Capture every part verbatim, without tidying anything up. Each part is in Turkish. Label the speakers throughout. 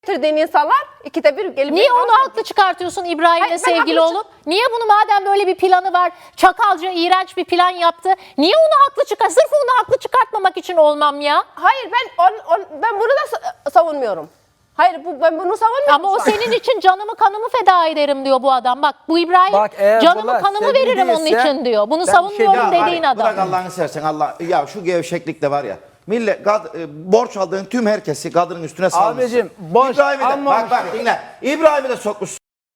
Speaker 1: getirdiğin insanlar ikide bir gelip...
Speaker 2: Niye onu haklı çıkartıyorsun İbrahim'le sevgili
Speaker 1: haklı
Speaker 2: olup? Niye bunu madem böyle bir planı var, çakalca iğrenç bir plan yaptı, niye onu haklı çıkar? Sırf onu haklı çıkartmamak için olmam ya.
Speaker 1: Hayır ben on, on, ben bunu da sa- savunmuyorum. Hayır bu, ben bunu savunmuyorum.
Speaker 2: Ama o
Speaker 1: şu an.
Speaker 2: senin için canımı kanımı feda ederim diyor bu adam. Bak bu İbrahim
Speaker 3: Bak, eğer
Speaker 2: canımı
Speaker 3: bunlar
Speaker 2: kanımı
Speaker 3: sevgili
Speaker 2: veririm onun
Speaker 3: değilse,
Speaker 2: için diyor. Bunu
Speaker 3: ben bir şey
Speaker 2: savunmuyorum
Speaker 3: diyemem.
Speaker 2: dediğin
Speaker 4: Ali,
Speaker 2: adam.
Speaker 4: Bırak Allah'ını seversen Allah. Ya şu gevşeklik de var ya. Millet kad- e, borç aldığın tüm herkesi kadının üstüne salmışsın.
Speaker 3: Abicim, borç
Speaker 4: İbrahim'i de
Speaker 3: almamış
Speaker 4: bak bak dinle. İbrahim'i de sokmuş.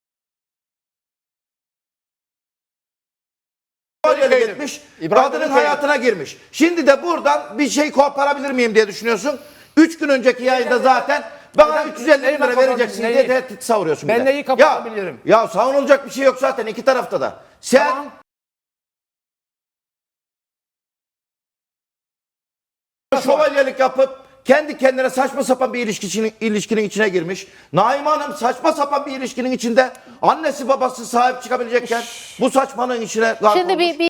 Speaker 4: Kolyeli gitmiş.
Speaker 3: İbrahim
Speaker 4: Kadının
Speaker 3: Bey'in
Speaker 4: hayatına girmiş. Şimdi de buradan bir şey koparabilir miyim diye düşünüyorsun. Üç gün önceki yayında zaten bana üç yüz elli
Speaker 3: neyi
Speaker 4: lira vereceksin
Speaker 3: neyi?
Speaker 4: diye tehdit savuruyorsun.
Speaker 3: Ben
Speaker 4: bir de.
Speaker 3: neyi kapatabilirim?
Speaker 4: Ya, ya savunulacak bir şey yok zaten iki tarafta da. Sen
Speaker 3: Tamam.
Speaker 4: şövalyelik yapıp kendi kendine saçma sapan bir ilişkinin, ilişkinin içine girmiş. Naime Hanım saçma sapan bir ilişkinin içinde annesi babası sahip çıkabilecekken bu saçmanın içine gark
Speaker 2: Şimdi
Speaker 4: olmuş.
Speaker 2: bir, bir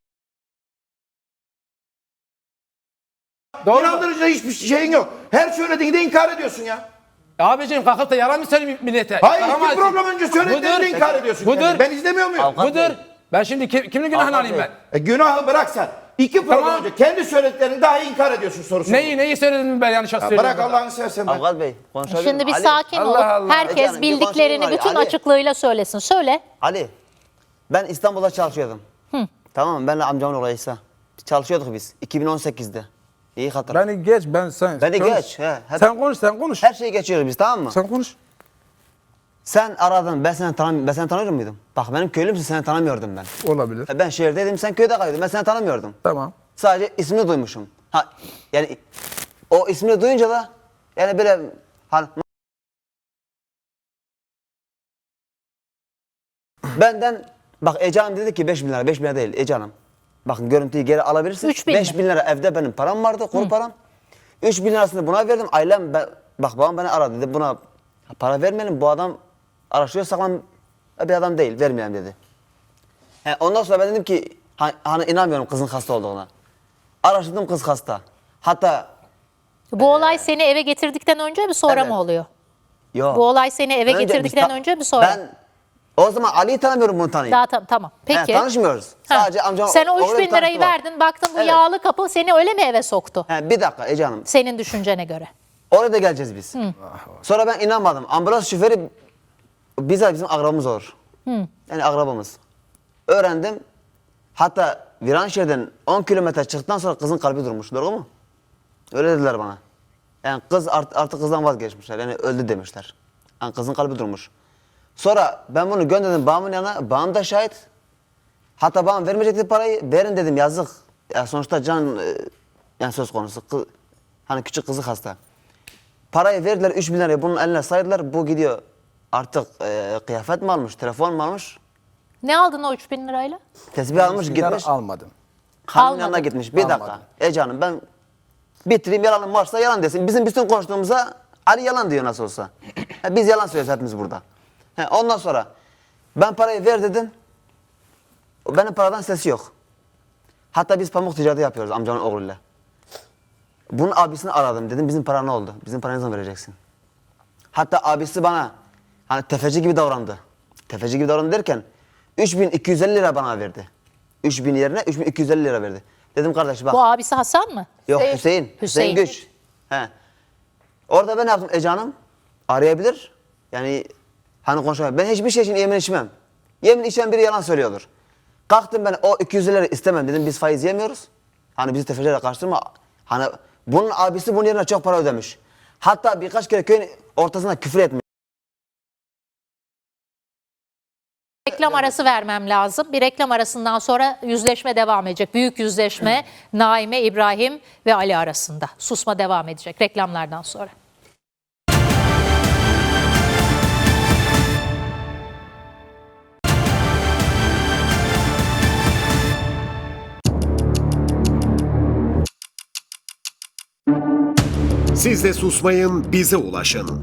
Speaker 4: Doğru. İnandırıcı hiçbir şeyin yok. Her söylediğini de inkar ediyorsun ya.
Speaker 3: Abicim kalkıp da yalan mı söyleyeyim millete?
Speaker 4: Hayır
Speaker 3: Yaramaz.
Speaker 4: iki program önce söylediğini de inkar ediyorsun.
Speaker 3: Budur.
Speaker 4: kendini. Ben izlemiyor muyum?
Speaker 5: Avukat
Speaker 3: Budur.
Speaker 5: Bey.
Speaker 3: Ben şimdi kim, kimin günahını alayım ben?
Speaker 4: E, günahı bırak sen. İki program
Speaker 3: Tamam.
Speaker 4: önce kendi söylediklerini dahi inkar ediyorsun sorusu.
Speaker 3: Neyi neyi söyledim ben yanlış
Speaker 4: Ya
Speaker 3: söylüyorum.
Speaker 4: bırak Allah'ını seversen ben.
Speaker 5: Avukat Bey konuşabilir
Speaker 2: şimdi
Speaker 5: miyim?
Speaker 2: bir
Speaker 5: Ali,
Speaker 2: sakin
Speaker 3: Allah
Speaker 2: ol.
Speaker 3: Allah.
Speaker 2: Herkes
Speaker 5: Ece Hanım, bir
Speaker 2: bildiklerini
Speaker 5: konuşalım
Speaker 2: bütün
Speaker 5: Ali.
Speaker 2: açıklığıyla söylesin. Söyle.
Speaker 5: Ali, ben İstanbul'da çalışıyordum. Tamam mı? Benle amcamın oğlu İsa. Çalışıyorduk biz iki bin on sekizde. İyi hatırla.
Speaker 3: Beni geç ben sen.
Speaker 5: Beni
Speaker 3: konuş.
Speaker 5: geç, he, hep-
Speaker 3: Sen konuş sen konuş.
Speaker 5: Her şeyi geçiyoruz biz tamam mı?
Speaker 3: Sen konuş.
Speaker 5: Sen aradın ben seni tanım ben seni tanıyor muydum? Bak benim köylümsün seni tanımıyordum ben.
Speaker 3: Olabilir.
Speaker 5: Ha, Ben şehirdeydim sen köyde kalıyordun ben seni tanımıyordum.
Speaker 3: Tamam.
Speaker 5: Sadece ismini duymuşum. Ha yani o ismini duyunca da yani böyle hani benden bak Ece Hanım dedi ki beş bin lira beş bin lira değil Ece Hanım. Bakın görüntüyü geri alabilirsiniz.
Speaker 2: Üç bin
Speaker 5: beş
Speaker 2: mi?
Speaker 5: bin lira evde benim param vardı kuru param. üç bin lirasını buna verdim. Ailem ben, bak babam beni aradı dedi buna para vermeyelim bu adam araştırıyor saklan bir adam değil vermeyelim dedi. He, ondan sonra ben dedim ki hani, hani inanmıyorum kızın hasta olduğuna. Araştırdım kız hasta. Hatta
Speaker 2: Bu olay seni eve getirdikten önce mi sonra
Speaker 5: Evet.
Speaker 2: mı oluyor?
Speaker 5: yok.
Speaker 2: Bu olay seni eve
Speaker 5: Önce
Speaker 2: getirdikten
Speaker 5: biz ta-
Speaker 2: önce mi sonra?
Speaker 5: Ben o zaman Ali'yi tanımıyorum bunu tanıyayım.
Speaker 2: Daha tam, tamam. Peki.
Speaker 5: He, tanışmıyoruz.
Speaker 2: Ha.
Speaker 5: Sadece amcam
Speaker 2: Sen o
Speaker 5: oğluyla
Speaker 2: üç bin lirayı
Speaker 5: tanıştılar.
Speaker 2: verdin. Baktın bu
Speaker 5: Evet.
Speaker 2: yağlı kapı seni öyle mi eve soktu?
Speaker 5: He, bir dakika Ece Hanım.
Speaker 2: Senin düşüncene göre.
Speaker 5: Oraya da geleceğiz biz. Sonra ben inanmadım. Ambulans şoförü bize bizim akrabamız olur. Yani akrabamız. Öğrendim. Hatta Viranşehir'den on kilometre çıktıktan sonra kızın kalbi durmuş. Doğru mu? Öyle dediler bana. Yani kız art, artık kızdan vazgeçmişler. Yani öldü demişler. Yani kızın kalbi durmuş. Sonra ben bunu gönderdim babamın yanına. Babam da şahit. Hatta babam vermeyecekti parayı. Verin dedim yazık. Ya sonuçta can e, yani söz konusu. Kı- hani küçük kızı hasta. Parayı verdiler üç bin lirayı bunun eline saydılar. Bu gidiyor artık e, kıyafet mi almış, telefon mu almış?
Speaker 2: Ne aldın o üç bin lirayla?
Speaker 5: Tesbih almış
Speaker 3: Bismillah,
Speaker 5: gitmiş.
Speaker 3: almadım.
Speaker 5: Hanımın
Speaker 2: Almadım.
Speaker 5: yanına gitmiş. Bir dakika.
Speaker 3: Almadım.
Speaker 5: Ece Hanım ben bitireyim yalanım varsa yalan desin. Bizim bütün konuştuğumuza Ali yalan diyor nasıl olsa. Ha, biz yalan söylüyoruz hepimiz burada. He, ondan sonra ben parayı ver dedim. O benim paradan sesi yok. Hatta biz pamuk ticareti yapıyoruz amcamın oğluyla. Bunun abisini aradım dedim bizim para ne oldu? Bizim parayı ne zaman vereceksin? Hatta abisi bana hani tefeci gibi davrandı. Tefeci gibi davrandı derken üç bin iki yüz elli lira bana verdi. üç bin yerine üç bin iki yüz elli lira verdi. Dedim kardeş bak.
Speaker 2: Bu abisi Hasan mı?
Speaker 5: Yok
Speaker 1: Hüseyin.
Speaker 5: Hüseyin.
Speaker 2: Hüseyin.
Speaker 5: Hüseyin Güç. He. Orada ben ne yaptım Ece Hanım? Arayabilir. Yani hani konuşamam. Ben hiçbir şey için yemin içmem. Yemin içen biri yalan söylüyordur. Kalktım ben o iki yüz lira istemem dedim biz faiz yemiyoruz. Hani bizi tefecilerle karıştırma. Hani bunun abisi bunun yerine çok para ödemiş. Hatta birkaç kere köyün ortasına küfür etmiş.
Speaker 2: Reklam arası vermem lazım. Bir reklam arasından sonra yüzleşme devam edecek. Büyük yüzleşme Naime, İbrahim ve Ali arasında. Susma devam edecek reklamlardan sonra.
Speaker 6: Siz de susmayın, bize ulaşın.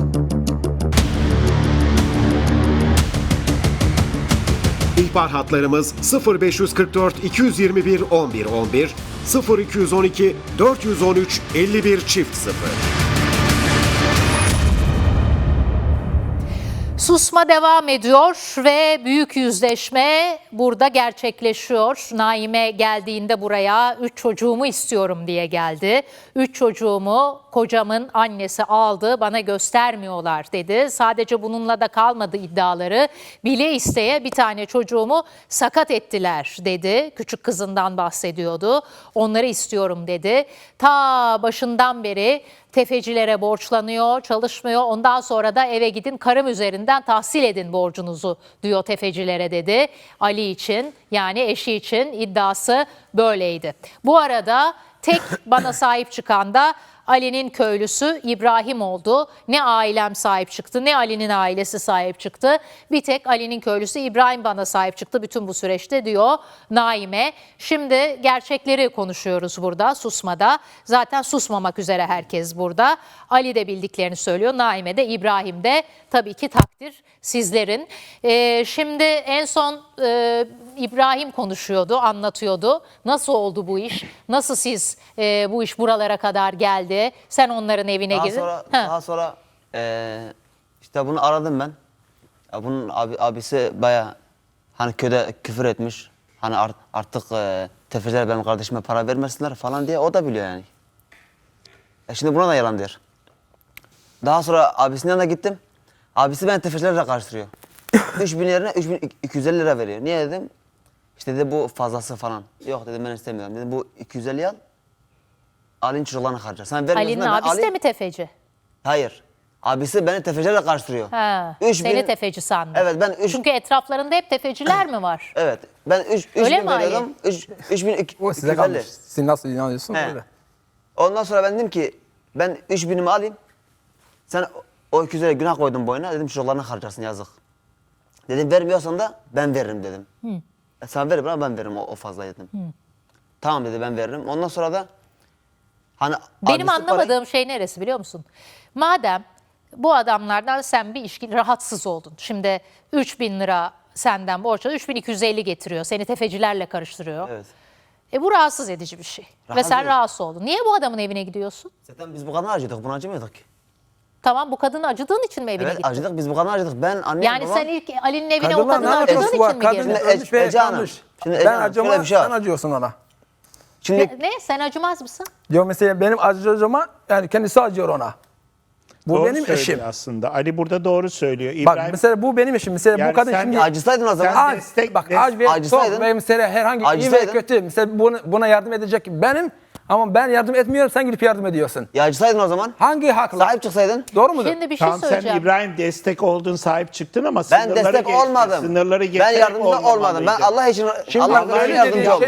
Speaker 6: İhbar hatlarımız sıfır beş kırk dört iki yüz yirmi bir on bir on bir, sıfır iki yüz on iki dört yüz on üç elli bir çift sıfır.
Speaker 2: Susma devam ediyor ve büyük yüzleşme burada gerçekleşiyor. Naime geldiğinde buraya üç çocuğumu istiyorum diye geldi. Üç çocuğumu kocamın annesi aldı, bana göstermiyorlar dedi. Sadece bununla da kalmadı iddiaları. Bile isteye bir tane çocuğumu sakat ettiler dedi. Küçük kızından bahsediyordu. Onları istiyorum dedi. Ta başından beri tefecilere borçlanıyor, çalışmıyor. Ondan sonra da eve gidin karım üzerinden tahsil edin borcunuzu diyor tefecilere dedi. Ali için, yani eşi için iddiası böyleydi. Bu arada tek bana sahip çıkan da Ali'nin köylüsü İbrahim oldu. Ne ailem sahip çıktı, ne Ali'nin ailesi sahip çıktı. Bir tek Ali'nin köylüsü İbrahim bana sahip çıktı bütün bu süreçte diyor Naime. Şimdi gerçekleri konuşuyoruz burada susmada. Zaten susmamak üzere herkes burada. Ali de bildiklerini söylüyor. Naime de, İbrahim de, tabii ki takdir sizlerin. Ee, şimdi en son e, İbrahim konuşuyordu, anlatıyordu. Nasıl oldu bu iş? Nasıl siz e, bu iş buralara kadar geldi? Sen onların evine
Speaker 5: Daha
Speaker 2: girdin.
Speaker 5: sonra,
Speaker 2: Ha.
Speaker 5: daha sonra eee, işte bunu aradım ben. Ya bunun abi, abisi baya hani köyde küfür etmiş. Hani art- artık eee tefeciler benim kardeşime para vermesinler falan diye o da biliyor yani. E şimdi buna da yalan der. Daha sonra abisinin yanına gittim. Abisi beni tefecilerle karıştırıyor. üç bin yerine üç bin iki yüz elli lira veriyor. Niye dedim? İşte dedi bu fazlası falan. Yok dedim ben istemiyorum. Dedim bu iki yüz elli al. Ali'nin çocuklarını harcar. Sen vermiyorsun
Speaker 2: Ali'nin
Speaker 5: da ben
Speaker 2: abisi
Speaker 5: Ali-
Speaker 2: de mi tefeci?
Speaker 5: Hayır. Abisi beni tefecilerle karıştırıyor.
Speaker 2: Ha,
Speaker 5: Üç
Speaker 2: seni
Speaker 5: bin-
Speaker 2: tefeci sandım.
Speaker 5: Evet ben üç...
Speaker 2: Çünkü etraflarında hep tefeciler mi var?
Speaker 5: Evet. Ben üç, üç
Speaker 2: Öyle
Speaker 5: bin
Speaker 2: mi Ali?
Speaker 5: veriyordum. Üç, üç bin iki,
Speaker 3: O
Speaker 5: iki
Speaker 3: size
Speaker 5: yüz elli.
Speaker 3: kalmış. Siz nasıl inanıyorsunuz
Speaker 5: He.
Speaker 3: öyle.
Speaker 5: Ondan sonra ben dedim ki ben üç binimi alayım. Sen o iki yüz elli günah koydun boyuna. Dedim çocuklarını harcarsın yazık. Dedim vermiyorsan da ben veririm dedim. E, sen ver bana ben veririm o, o fazlayı dedim. Tamam dedi ben veririm. Ondan sonra da hani
Speaker 2: Benim
Speaker 5: abisi
Speaker 2: anlamadığım
Speaker 5: parayı-
Speaker 2: şey neresi biliyor musun? Madem bu adamlardan sen bir ilişki rahatsız oldun. Şimdi üç bin lira senden borç alıyor, üç bin iki yüz elli getiriyor. Seni tefecilerle karıştırıyor.
Speaker 5: Evet.
Speaker 2: E bu rahatsız edici bir şey. Ve
Speaker 5: Rahatsız
Speaker 2: sen
Speaker 5: edici.
Speaker 2: rahatsız oldun. Niye bu adamın evine gidiyorsun?
Speaker 5: Zaten biz bu kadına acıdık. Buna acımıyorduk ki.
Speaker 2: Tamam, bu kadını acıdığın için mi evine
Speaker 5: Evet
Speaker 2: gittin?
Speaker 5: acıdık. Biz bu kadına acıdık. Ben annem
Speaker 2: Yani
Speaker 5: babam...
Speaker 2: sen ilk Ali'nin evine o
Speaker 3: Kadınlar ne
Speaker 2: kadını acıdığın
Speaker 3: acısı var?
Speaker 2: için mi
Speaker 3: Kadın
Speaker 2: girdin?
Speaker 5: Şimdi
Speaker 3: ölmüş ve
Speaker 5: Ece Hanım,
Speaker 3: kalmış.
Speaker 5: şimdi Ece
Speaker 3: Ben
Speaker 5: Hanım, şöyle
Speaker 3: acıma,
Speaker 5: bir şey var.
Speaker 3: sen acıyorsun ona.
Speaker 5: Şimdi
Speaker 2: Ne? Sen acımaz mısın?
Speaker 3: Diyor mesela benim acıcama yani kendisi acıyor ona. Bu
Speaker 7: Doğru
Speaker 3: benim
Speaker 7: söylüyor
Speaker 3: eşim.
Speaker 7: aslında. Ali burada doğru söylüyor.
Speaker 3: Bak
Speaker 7: İbrahim,
Speaker 3: mesela bu benim eşim. Mesela
Speaker 7: Yani
Speaker 3: bu kadın
Speaker 7: sen
Speaker 3: şimdi
Speaker 5: acısaydın o zaman.
Speaker 7: Sen
Speaker 3: Ac-
Speaker 7: destek-
Speaker 3: bak
Speaker 7: des-
Speaker 3: ac ve
Speaker 5: acısaydın.
Speaker 3: çok ve mesela herhangi iyi ve
Speaker 5: Acısaydın.
Speaker 3: kötü. Mesela buna, buna yardım edecek benim ama ben yardım etmiyorum sen gidip yardım ediyorsun.
Speaker 5: ya acısaydın o zaman.
Speaker 3: Hangi hakla?
Speaker 5: Sahip çıksaydın.
Speaker 3: Doğru mudur?
Speaker 2: Şimdi bir şey
Speaker 7: tamam sen
Speaker 2: söyleyeceğim.
Speaker 7: İbrahim destek oldun, sahip çıktın ama
Speaker 5: Ben
Speaker 7: sınırları
Speaker 5: destek
Speaker 7: geçtin.
Speaker 5: olmadım.
Speaker 7: Sınırları
Speaker 5: Ben
Speaker 7: geçerek
Speaker 5: yardımcı olmadım. Ben
Speaker 7: olmamalıydın.
Speaker 5: Allah için
Speaker 3: Şimdi
Speaker 5: Allah
Speaker 3: bak, öyle
Speaker 5: için yardımcı
Speaker 3: dediğin
Speaker 5: oldum.
Speaker 3: şey-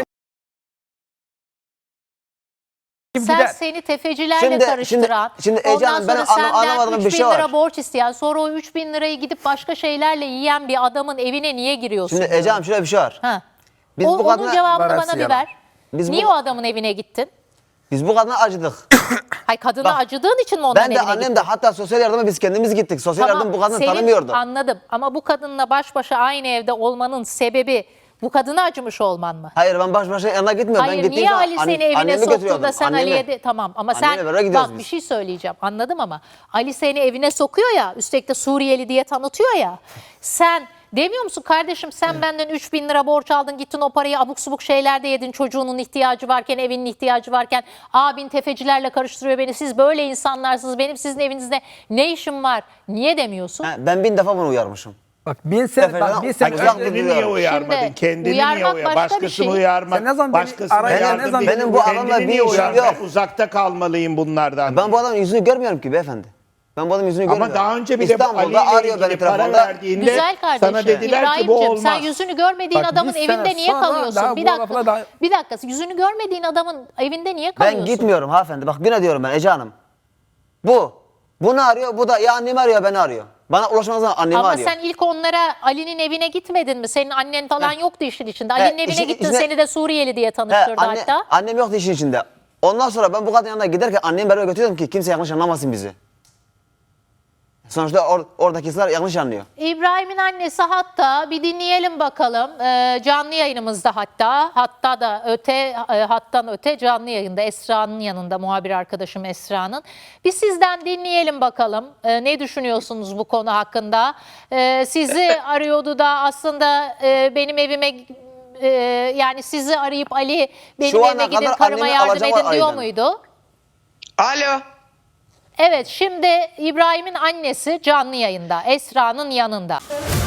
Speaker 2: Sen
Speaker 3: gider.
Speaker 2: seni tefecilerle
Speaker 5: Şimdi-
Speaker 2: karıştıran,
Speaker 5: şimdi- şimdi Ece
Speaker 2: ondan
Speaker 5: Hanım, benim
Speaker 2: sonra
Speaker 5: anla-
Speaker 2: senden
Speaker 5: anlamadığım bir
Speaker 2: üç bin
Speaker 5: şey
Speaker 2: lira
Speaker 5: var.
Speaker 2: borç isteyen, sonra o üç bin lirayı gidip başka şeylerle yiyen bir adamın evine niye giriyorsun?
Speaker 5: Şimdi Ece Hanım şöyle bir şey var.
Speaker 2: Ha.
Speaker 5: Biz
Speaker 2: o,
Speaker 5: bu
Speaker 2: onun
Speaker 5: kadına-
Speaker 2: cevabını
Speaker 3: Var hepsi
Speaker 2: bana bir
Speaker 3: yalan.
Speaker 2: ver.
Speaker 5: Biz
Speaker 2: niye
Speaker 5: bu-
Speaker 2: o adamın evine gittin?
Speaker 5: Biz bu kadına acıdık.
Speaker 2: Hay kadına
Speaker 5: Bak,
Speaker 2: acıdığın için mi onların
Speaker 5: Ben de
Speaker 2: evine
Speaker 5: annem
Speaker 2: gittin?
Speaker 5: de hatta sosyal yardıma biz kendimiz gittik. Sosyal
Speaker 2: Tamam,
Speaker 5: yardım bu kadını
Speaker 2: senin-
Speaker 5: tanımıyordu.
Speaker 2: Anladım ama bu kadınla baş başa aynı evde olmanın sebebi bu kadına acımış olman mı?
Speaker 5: Hayır ben baş başa yanına gitmiyorum. ben
Speaker 2: Hayır,
Speaker 5: gittiğim
Speaker 2: niye
Speaker 5: zaman
Speaker 2: Ali
Speaker 5: anne-
Speaker 2: seni evine
Speaker 5: annemi
Speaker 2: soktu
Speaker 5: götürüyordum,
Speaker 2: da sen
Speaker 5: annemi.
Speaker 2: Ali'ye de tamam ama
Speaker 5: Annemle
Speaker 2: sen
Speaker 5: beraber gidiyoruz
Speaker 2: bak
Speaker 5: biz.
Speaker 2: bir şey söyleyeceğim anladım ama Ali seni evine sokuyor ya, üstelik de Suriyeli diye tanıtıyor ya, sen demiyor musun kardeşim sen benden üç bin lira borç aldın, gittin o parayı abuk subuk şeylerde yedin, çocuğunun ihtiyacı varken, evinin ihtiyacı varken, abin tefecilerle karıştırıyor beni, siz böyle insanlarsınız, benim sizin evinizde ne işim var, niye demiyorsun?
Speaker 5: Ha, ben bin defa bunu uyarmışım.
Speaker 3: Bak bin sene,
Speaker 5: Efendim,
Speaker 3: bak bin sene
Speaker 5: uzak
Speaker 3: önce-
Speaker 7: Kendini niye
Speaker 5: duruyorum.
Speaker 7: uyarmadın?
Speaker 2: Şimdi
Speaker 7: Kendini
Speaker 2: uyarmak
Speaker 7: niye uyar?
Speaker 2: başka bir
Speaker 7: Başkasını
Speaker 2: şey.
Speaker 7: uyarmak.
Speaker 3: Sen ne zaman beni
Speaker 7: başkasına
Speaker 3: araya-
Speaker 7: yardım
Speaker 3: ne zaman-
Speaker 7: değil.
Speaker 5: Benim bu adamla
Speaker 7: Kendini
Speaker 5: bir
Speaker 7: niye
Speaker 5: işim
Speaker 7: uyarmak?
Speaker 5: yok.
Speaker 7: Ben uzakta kalmalıyım bunlardan.
Speaker 5: Ben bu adamın yüzünü görmüyorum ki beyefendi. Ben bu adamın yüzünü
Speaker 7: Ama
Speaker 5: görmüyorum.
Speaker 7: daha önce bile bu Ali
Speaker 5: İstanbul'da
Speaker 7: ile
Speaker 5: arıyor beni
Speaker 7: ilgili para
Speaker 5: telefonda.
Speaker 7: verdiğinde
Speaker 2: Güzel kardeşim.
Speaker 7: sana dediler ki bu
Speaker 2: İbrahim'cim,
Speaker 7: olmaz.
Speaker 2: sen yüzünü görmediğin
Speaker 3: Bak,
Speaker 2: adamın
Speaker 3: bir
Speaker 2: evinde
Speaker 3: sene
Speaker 2: niye
Speaker 3: sonra
Speaker 2: kalıyorsun?
Speaker 3: daha
Speaker 2: Bir
Speaker 3: bu
Speaker 2: dakika.
Speaker 3: lafla daha-
Speaker 2: Bir dakika. Yüzünü görmediğin adamın evinde niye
Speaker 5: Ben
Speaker 2: kalıyorsun?
Speaker 5: gitmiyorum hanımefendi. Bak yine diyorum ben Ece Hanım. Bu. Bunu arıyor. Bu da ya annemi arıyor beni arıyor. Bana ulaşmaz zaman annemi
Speaker 2: Ama
Speaker 5: arıyor.
Speaker 2: sen ilk onlara Ali'nin evine gitmedin mi? Senin annen falan yoktu işin içinde.
Speaker 5: He,
Speaker 2: Ali'nin evine
Speaker 5: işin
Speaker 2: gittin,
Speaker 5: içinde-
Speaker 2: seni de Suriyeli diye
Speaker 5: He,
Speaker 2: tanıştırdı
Speaker 5: anne,
Speaker 2: hatta.
Speaker 5: annem yoktu işin içinde. Ondan sonra ben bu kadının yanına giderken annemi beraber götürüyordum ki kimse yanlış anlamasın bizi. Sonuçta or, oradakiler yanlış anlıyor.
Speaker 2: İbrahim'in annesi hatta bir dinleyelim bakalım. Ee, canlı yayınımızda hatta hatta da öte e, hattan öte canlı yayında Esra'nın yanında muhabir arkadaşım Esra'nın. Bir sizden dinleyelim bakalım. Ee, ne düşünüyorsunuz bu konu hakkında? Ee, sizi arıyordu da aslında e, benim evime e, yani sizi arayıp Ali benim
Speaker 5: Şu ana
Speaker 2: evime gidin
Speaker 5: kadar
Speaker 2: karıma
Speaker 5: annemi
Speaker 2: yardım
Speaker 5: alacak
Speaker 2: edin
Speaker 5: var
Speaker 2: diyor
Speaker 5: Ali'den.
Speaker 2: muydu?
Speaker 8: Alo.
Speaker 2: Evet, şimdi İbrahim'in annesi canlı yayında Esra'nın yanında.